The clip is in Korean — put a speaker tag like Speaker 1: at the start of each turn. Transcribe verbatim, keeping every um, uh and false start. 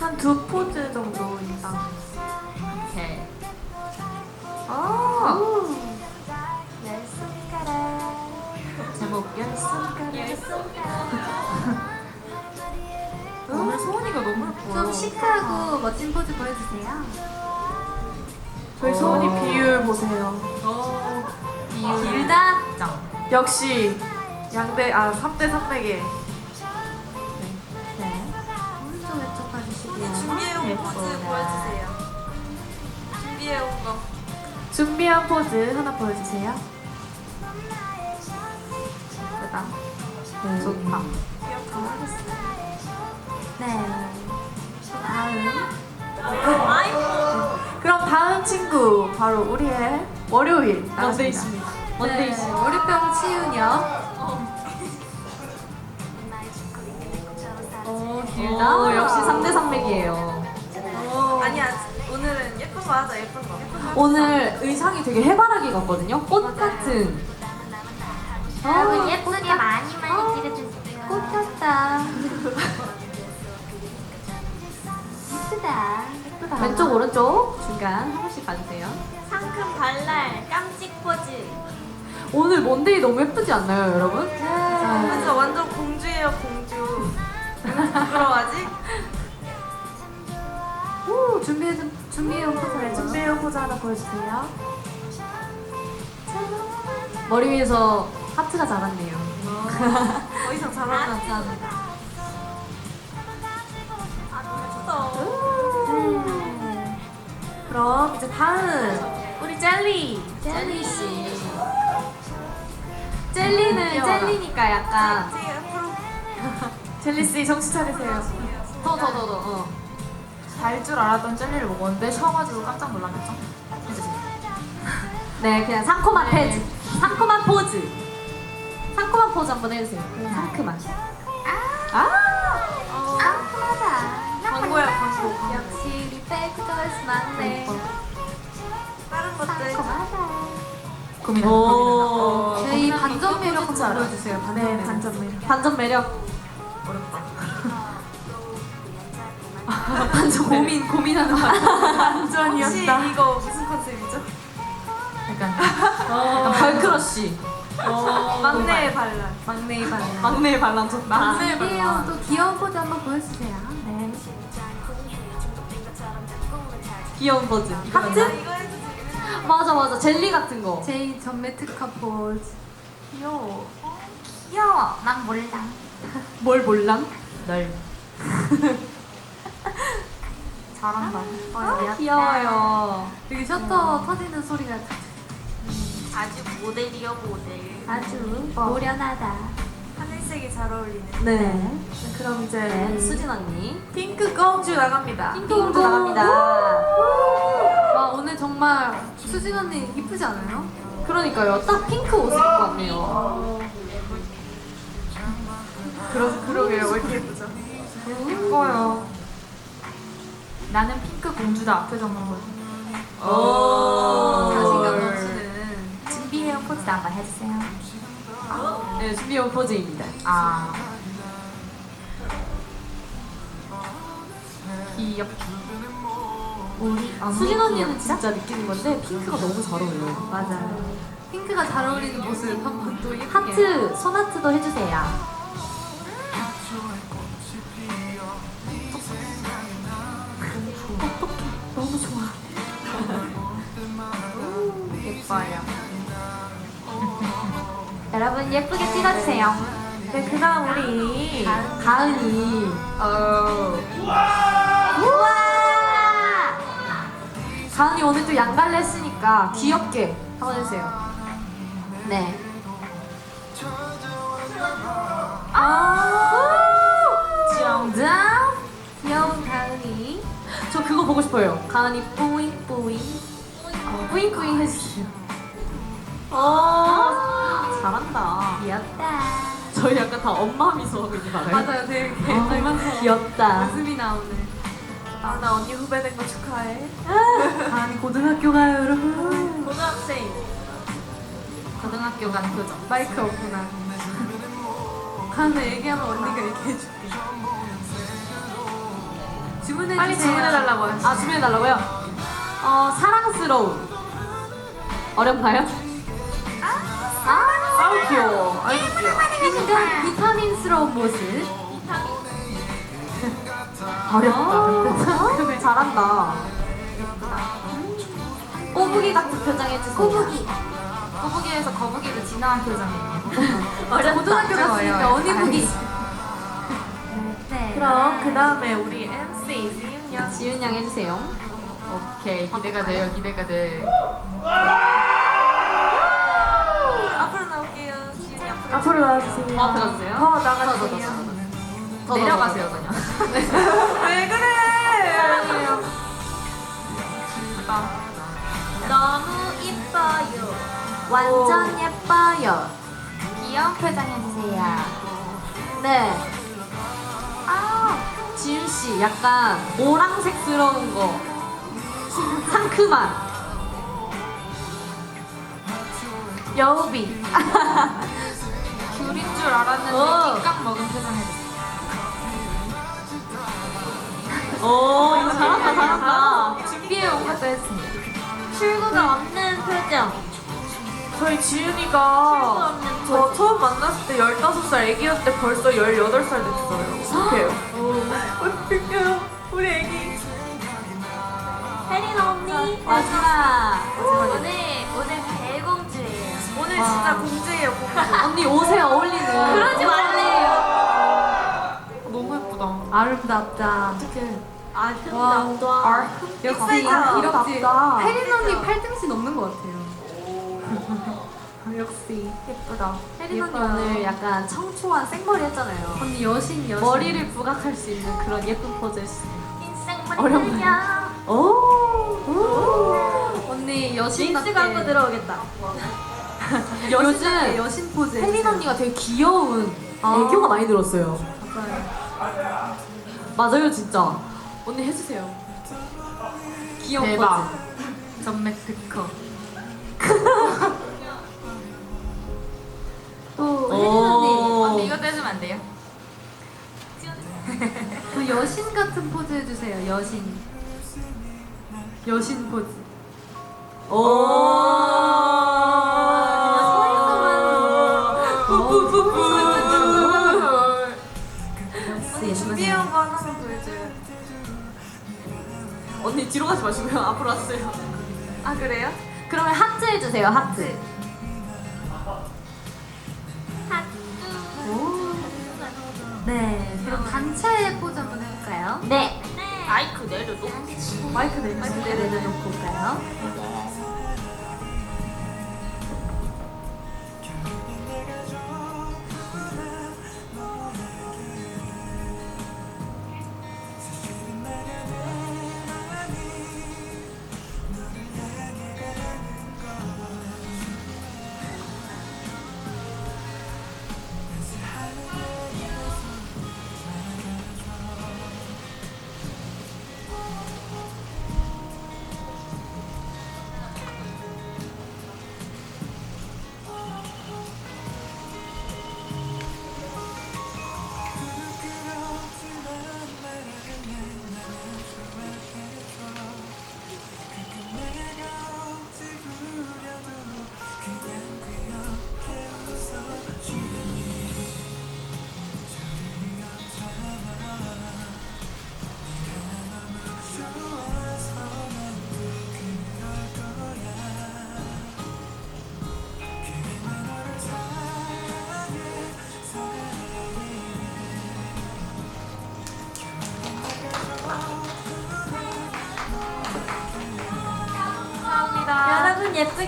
Speaker 1: 한 두 포즈 정도 일단.
Speaker 2: 오케이.
Speaker 1: 오.
Speaker 3: 열 손가락.
Speaker 2: 제목 열 손가락.
Speaker 3: 열 손가락.
Speaker 2: 오늘 소은이가 너무 예뻐요.
Speaker 3: 좀 시크하고 멋진 포즈 보여주세요.
Speaker 1: 저희 소은이 비율 보세요.
Speaker 3: 길다.
Speaker 2: 짱.
Speaker 1: 역시 양대 아 삼 대 삼백에.
Speaker 3: 네. 오른쪽 왼쪽 봐주시고요.
Speaker 4: 준비해온
Speaker 2: 예뻐라.
Speaker 4: 포즈 보여주세요. 준비해온 거.
Speaker 1: 준비한 포즈 하나 보여주세요.
Speaker 2: 예쁘다.
Speaker 1: 네.
Speaker 2: 좋다.
Speaker 3: 네. 다음.
Speaker 1: 그럼 다음 친구 바로 우리의 월요일
Speaker 2: 먼데
Speaker 1: 나갑니다.
Speaker 2: 있습니다. 먼데
Speaker 3: 네.
Speaker 2: 있습니다.
Speaker 3: 월요병 치유녀.
Speaker 2: 오,
Speaker 3: 길다.
Speaker 2: 오, 역시 삼 대 삼백이에요.
Speaker 4: 아니야, 오늘은 예쁜 거 하자, 예쁜 거. 예쁜 거.
Speaker 2: 오늘 의상이 되게 해바라기 같거든요. 꽃 같은.
Speaker 3: 여러분 예쁘게 많이 많이 찍어주세요. 꽃 같다. 예쁘다. 예쁘다.
Speaker 2: 왼쪽 오른쪽 중간 한 번씩 봐주세요.
Speaker 4: 상큼 발랄, 깜찍 포즈.
Speaker 2: 오늘 먼데이 너무 예쁘지 않나요, 여러분?
Speaker 4: 맞아, 완전 공주예요, 공주. 부끄러워하지?
Speaker 3: 오 준비해 준비해온 포즈
Speaker 1: 네, 준비한 포즈 하나 보여주세요.
Speaker 2: 머리 위에서 하트가 자랐네요.
Speaker 4: 더 이상 잘하지
Speaker 2: 감사합니다.
Speaker 4: 아, 너무 예쁘다.
Speaker 3: 네.
Speaker 1: 그럼 이제 다음 우리 젤리.
Speaker 2: 젤리 씨. 젤리는
Speaker 1: 귀여워라.
Speaker 2: 젤리니까 약간
Speaker 4: 제 앞으로.
Speaker 1: 젤리 씨 정신 차리세요.
Speaker 2: 더 더 더 더. 어.
Speaker 5: 달 줄 알았던 젤리를 먹었는데 셔가지고 깜짝 놀랐겠죠? 해주세요.
Speaker 2: 네, 그냥 상큼한
Speaker 5: 네.
Speaker 2: 포즈. 상큼한 포즈. 상큼한 포즈 한번 해주세요. 상큼한. 아.
Speaker 3: 어, 상큼하다.
Speaker 4: 광고야, 광고.
Speaker 3: 역시 우리 백걸스 막내.
Speaker 4: 다른 것들.
Speaker 3: 상큼하다.
Speaker 5: 고민한다.
Speaker 2: 오.
Speaker 5: 고민한다.
Speaker 3: 저희 반전 매력 한번
Speaker 5: 알아.
Speaker 3: 보여주세요. 반전
Speaker 1: 네,
Speaker 3: 매력.
Speaker 1: 반전 매력.
Speaker 2: 반전 매력.
Speaker 5: 어렵다.
Speaker 2: 반전 고민 고민하는 반.
Speaker 4: 혹시
Speaker 1: 반전이었다.
Speaker 4: 이거 무슨 컨셉이죠?
Speaker 5: 약간
Speaker 2: 약간 걸크러쉬.
Speaker 4: 막내의 발랄.
Speaker 3: 막내의 반전.
Speaker 2: 막내의 반란 좋다.
Speaker 5: 막내의
Speaker 3: 이혜영 또 귀여운 포즈 한번 보여주세요. 네.
Speaker 2: 귀여운 포즈.
Speaker 4: 하트?
Speaker 2: 하트?
Speaker 4: 이거 해주세요.
Speaker 2: 맞아 맞아. 젤리 같은 거.
Speaker 3: 제이 전매 특화 포즈.
Speaker 1: 귀여워.
Speaker 3: 귀여워. 난 몰라.
Speaker 2: 뭘 몰랑?
Speaker 5: 널
Speaker 3: 잘한다.
Speaker 2: 아, 귀여워요.
Speaker 3: 여기 셔터 터지는 소리가
Speaker 4: 아주 모델이요, 모델.
Speaker 3: 아주 노련하다.
Speaker 4: 하늘색이 잘 어울리는.
Speaker 2: 네.
Speaker 1: 그럼 이제
Speaker 2: 네. 수진 언니.
Speaker 1: 핑크 공주 나갑니다.
Speaker 2: 핑크 공주 나갑니다.
Speaker 3: 와 오늘 정말 수진 언니 이쁘지 않아요?
Speaker 2: 그러니까요. 딱 핑크 옷을 입고 왔네요.
Speaker 1: 그러 그러게요. 왜 이렇게 예쁘죠?
Speaker 5: 예뻐요. 나는 핑크 공주다 앞에 적는 거지.
Speaker 2: 오.
Speaker 3: 자신감 넘치는.
Speaker 5: 준비해온 포즈 한번 해주세요.
Speaker 2: 네, 준비한 포즈입니다.
Speaker 5: 아. 귀엽.
Speaker 1: 우리
Speaker 2: 수진 언니는 진짜 느끼는 건데 핑크가 너무 잘 어울려요.
Speaker 3: 맞아요. 핑크가 잘 어울리는 모습 한번 또 예쁘게.
Speaker 2: 하트, 손하트도 해주세요.
Speaker 1: 너무 좋아.
Speaker 5: 예뻐요.
Speaker 2: 여러분 예쁘게 찍어주세요.
Speaker 1: 네, 그다음 우리
Speaker 2: 가은이.
Speaker 5: 어.
Speaker 2: 우와! 가은이 오늘 또 양갈래 했으니까 귀엽게 한번 해주세요. 네. 아! 정답!
Speaker 3: 귀여운 가은이.
Speaker 2: 저 그거 보고 싶어요. 가은이 뿌잉 뿌잉. 어, 뿌잉 뿌잉 해주세요. 어, 잘한다.
Speaker 3: 귀엽다.
Speaker 2: 저희 약간 다 엄마 미소 하고 있는 거 알아요?
Speaker 3: 맞아요. 되게 닮아서
Speaker 2: 귀엽다.
Speaker 3: 웃음이 나오네.
Speaker 1: 아, 나 언니 후배 된 거 축하해.
Speaker 3: 가은이 고등학교 가요 여러분.
Speaker 4: 고등학생.
Speaker 5: 고등학교 간 표정.
Speaker 3: 마이크 없구나. 가은이 얘기하면 언니가 얘기해줄게. 주문해
Speaker 5: 빨리
Speaker 3: 주세요.
Speaker 5: 주문해달라고 하시.
Speaker 2: 아 주문해달라고요? 어 사랑스러운 어렵나요?
Speaker 5: 아우 귀여워. 아이고 귀여워.
Speaker 3: 인간 비타민스러운 모습.
Speaker 2: 어렵다. 잘한다. 꼬부기 같은 표정 해주세요. 꼬부기.
Speaker 5: 거북이에서 거북이로 진화한 표정이에요.
Speaker 3: 고등학교 갔으니까 어니부기.
Speaker 1: 네.
Speaker 4: 그럼 그 다음에 우리 엠씨 지윤 양.
Speaker 2: 지윤 양 해주세요.
Speaker 5: 오케이 기대가 돼요. 기대가 돼.
Speaker 4: 앞으로 나올게요. 지윤 양.
Speaker 1: 앞으로 나와주세요.
Speaker 2: 더 들어주세요.
Speaker 4: 더
Speaker 2: 더, 더, 더,
Speaker 4: 나가주세요.
Speaker 2: 더, 더.
Speaker 5: 내려가세요 그냥.
Speaker 4: 왜 그래?
Speaker 2: 사랑해요.
Speaker 4: 너무 이뻐요.
Speaker 2: 완전 예뻐요.
Speaker 1: 귀여운 표정 해주세요.
Speaker 2: 네. 아, 지윤 씨 약간 오랑색스러운 거. 상큼한.
Speaker 1: 여우비.
Speaker 5: 귤인 줄 알았는데
Speaker 2: 어.
Speaker 5: 낑깡 먹은 표정 해주세요.
Speaker 2: 오, 이거 잘한다, 잘한다.
Speaker 5: 준비해 온 것도 했습니다.
Speaker 1: 출구가 없는 표정.
Speaker 4: 저희 지윤이가 저 처음 만났을 때 열다섯 살 애기였는데 벌써 열여덟 살 됐어요. 어떡해요? 어떡해요? 우리 애기.
Speaker 1: 혜린 언니.
Speaker 2: 마지막.
Speaker 1: 오늘 오늘 배공주예요.
Speaker 4: 오늘 진짜 공주예요, 공주.
Speaker 2: 언니 옷에 어울리는.
Speaker 1: 그러지 말래요.
Speaker 5: 너무 예쁘다.
Speaker 2: 아름답다.
Speaker 1: 아름답다.
Speaker 2: 역시
Speaker 4: 예쁘다.
Speaker 2: 이렇지.
Speaker 3: 혜린 언니 팔 등씩 넘는 것 같아요.
Speaker 2: 역시.
Speaker 1: 예쁘다.
Speaker 2: 혜린 언니 오늘 약간 청초한 생머리 했잖아요.
Speaker 3: 언니 여신 여신.
Speaker 2: 머리를 부각할 수 있는 그런 예쁜 포즈 했어요.
Speaker 1: 인생
Speaker 2: 어렵나요?
Speaker 1: 만들려.
Speaker 2: 오.
Speaker 3: 언니 여신
Speaker 1: 린스가 한번 들어오겠다.
Speaker 2: 요즘
Speaker 3: 여신 포즈.
Speaker 2: 혜린
Speaker 3: 해주세요.
Speaker 2: 언니가 되게 귀여운
Speaker 3: 아.
Speaker 2: 애교가 많이 들었어요.
Speaker 3: 맞아요.
Speaker 2: 맞아요, 진짜. 언니 해주세요. 귀여운
Speaker 5: 대박.
Speaker 2: 포즈.
Speaker 5: 전맥 특허.
Speaker 3: 또
Speaker 2: 오.
Speaker 3: 혜린 언니.
Speaker 5: 언니 이거 떼주면 안 돼요?
Speaker 3: 또 여신 같은 포즈 해주세요. 여신. 여신 포즈.
Speaker 4: 준비해온 거 하나만 보여줘요.
Speaker 2: 언니 뒤로 가지 마시고요. 앞으로 왔어요.
Speaker 4: 아, 그래요?
Speaker 2: 그러면 하트 해주세요. 하트.
Speaker 3: 네. 그럼 단체 포즈 한번 해볼까요?
Speaker 2: 네.
Speaker 4: 마이크 내려도?
Speaker 2: 마이크 내주세요.
Speaker 3: 마이크 내려놓고 올까요?
Speaker 1: 여러분 예쁘게.